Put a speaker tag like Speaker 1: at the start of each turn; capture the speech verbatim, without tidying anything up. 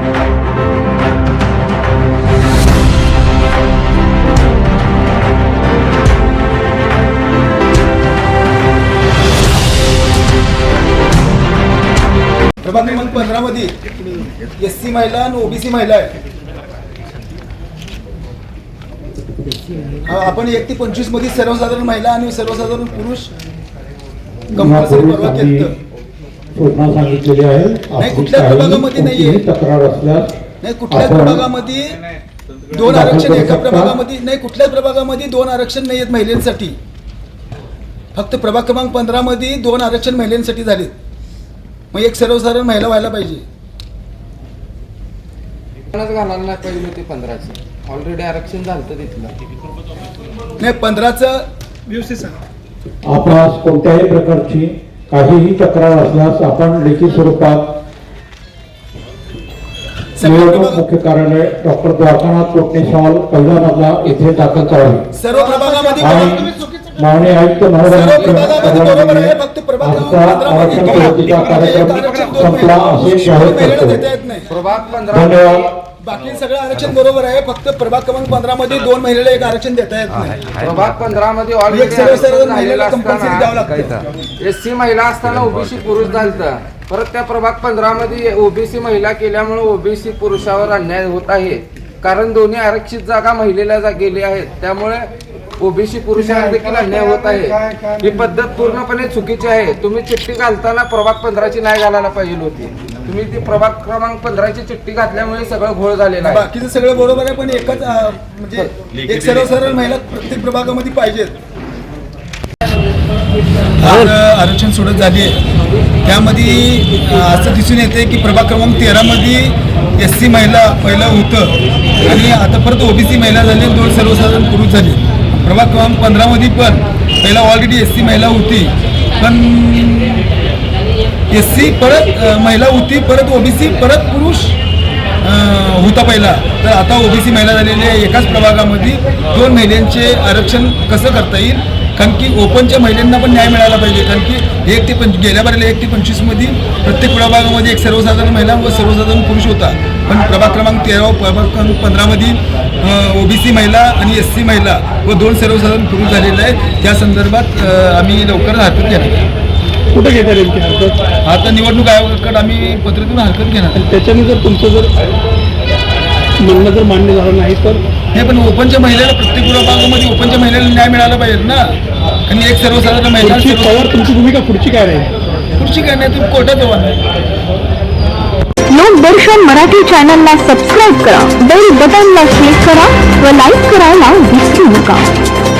Speaker 1: प्रभाग क्रमांक पंधरा मध्ये एस सी महिला आणि ओबीसी महिला आहे. आपण एक ते पंचवीस मध्ये सर्वसाधारण महिला आणि सर्वसाधारण पुरुष कंपल्सरी परवा केलं
Speaker 2: सांगितलेले आहे.
Speaker 1: नाही कुठल्या प्रभागामध्ये नाहीये
Speaker 2: तक्रार असल्यास
Speaker 1: नाही कुठल्याच प्रभागामध्ये दोन आरक्षण एका प्रभागामध्ये नाही कुठल्याच प्रभागामध्ये दोन आरक्षण नाही आहेत महिलांसाठी. फक्त प्रभाग क्रमांक पंधरा मध्ये दोन आरक्षण महिलांसाठी झालेत. मग एक सर्वसाधारण महिला व्हायला पाहिजे.
Speaker 3: घालायला पाहिजे होती पंधराची ऑलरेडी आरक्षण झालं तिथलं
Speaker 1: नाही पंधराचं
Speaker 2: व्यवस्थित सांगा. आपणास कोणत्याही प्रकारची काहीही तक्रार असल्यास आपण लेखी स्वरूपात मुख्य कार्यालय डॉक्टर द्वारकानाथ कोटणेस हॉल पहिला मजला येथे दाखल करावे.
Speaker 1: सर्व प्रभागामध्ये
Speaker 2: माननीय आयुक्त महोदयांच्या
Speaker 1: फक्त प्रभाग
Speaker 2: संपला असे जाहीर करतो. धन्यवाद.
Speaker 1: बाकी सगळं आरक्षण बरोबर आहे. फक्त प्रभाग क्रमांक पंधरा मध्ये दोन महिलेला एक आरक्षण देता येत नाही.
Speaker 3: प्रभाग पंधरा मध्ये एस सी महिला असताना ओबीसी पुरुष झालता. परत त्या प्रभाग पंधरा मध्ये ओबीसी महिला केल्यामुळे ओबीसी पुरुषावर अन्याय होत आहे. कारण दोन्ही आरक्षित जागा महिलेला गेली आहेत. त्यामुळे ओबीसी पुरुषांना देखील अन्याय होत आहे. ही पद्धत पूर्णपणे चुकीची आहे. तुम्ही चिठ्ठी घालताना प्रभाग पंधराची नाही घालायला पाहिजे होती. तुम्ही ती प्रभाग क्रमांक पंधराची चिठ्ठी घातल्यामुळे सगळं घोळ झालेलं आहे.
Speaker 1: बाकीचं सगळं बरोबर आहे पण एकच म्हणजे एक सर्वसाधारण महिला प्रत्येक प्रभागामध्ये पाहिजेत. आरक्षण सोडत झाली आहे त्यामध्ये असं दिसून येते की प्रभाग क्रमांक तेरा मध्ये एस सी महिला पहिलं होतं आणि आता परत ओबीसी महिला झाली, दोन सर्वसाधारण पुरुष झाले. प्रभाग क्रमांक पंधरा मध्ये पण पहिला ऑलरेडी एस सी महिला होती पण एस सी परत महिला होती परत ओबीसी परत पुरुष होता पहिला. तर आता ओबीसी महिला झालेल्या एकाच प्रभागामध्ये दोन महिलांचे आरक्षण कसं करता येईल. कारण की ओपनच्या महिलांना पण न्याय मिळाला पाहिजे. कारण की एक ते पंच गेल्या बारीला एक ते पंचवीस मध्ये प्रत्येक प्रभागामध्ये एक सर्वसाधारण महिला व सर्वसाधारण पुरुष होता. पण प्रभाग क्रमांक तेरा प्रभाग क्रमांक पंधरा मध्ये ओबीसी महिला आणि एस सी महिला व दोन सर्वसाधारण पुरुष झालेला आहे. त्या संदर्भात आम्ही लवकरच हरकत घेणार.
Speaker 4: कुठे घेणार नेमकी हरकत?
Speaker 1: आता निवडणूक आयोगाकडे आम्ही पत्र देऊन हरकत घेणार.
Speaker 4: त्याच्याने जर तुमचं जर म्हणणं जर मान्य झालं नाही तर
Speaker 1: हे पण ओपनच्या महिलेला प्रत्येक प्रभागामध्ये ओपनच्या महिलेला न्याय मिळाला पाहिजे ना. आणि एक सर्वसाधारण महिला
Speaker 4: पवार तुमची भूमिका पुढची काय राहील?
Speaker 1: पुढची काय नाही तुम्ही कोर्टात जावा.
Speaker 5: लोकदर्शन मराठी चॅनलला सबस्क्राईब करा, बेल बटनला क्लिक करा व लाईक करायला विसरू नका.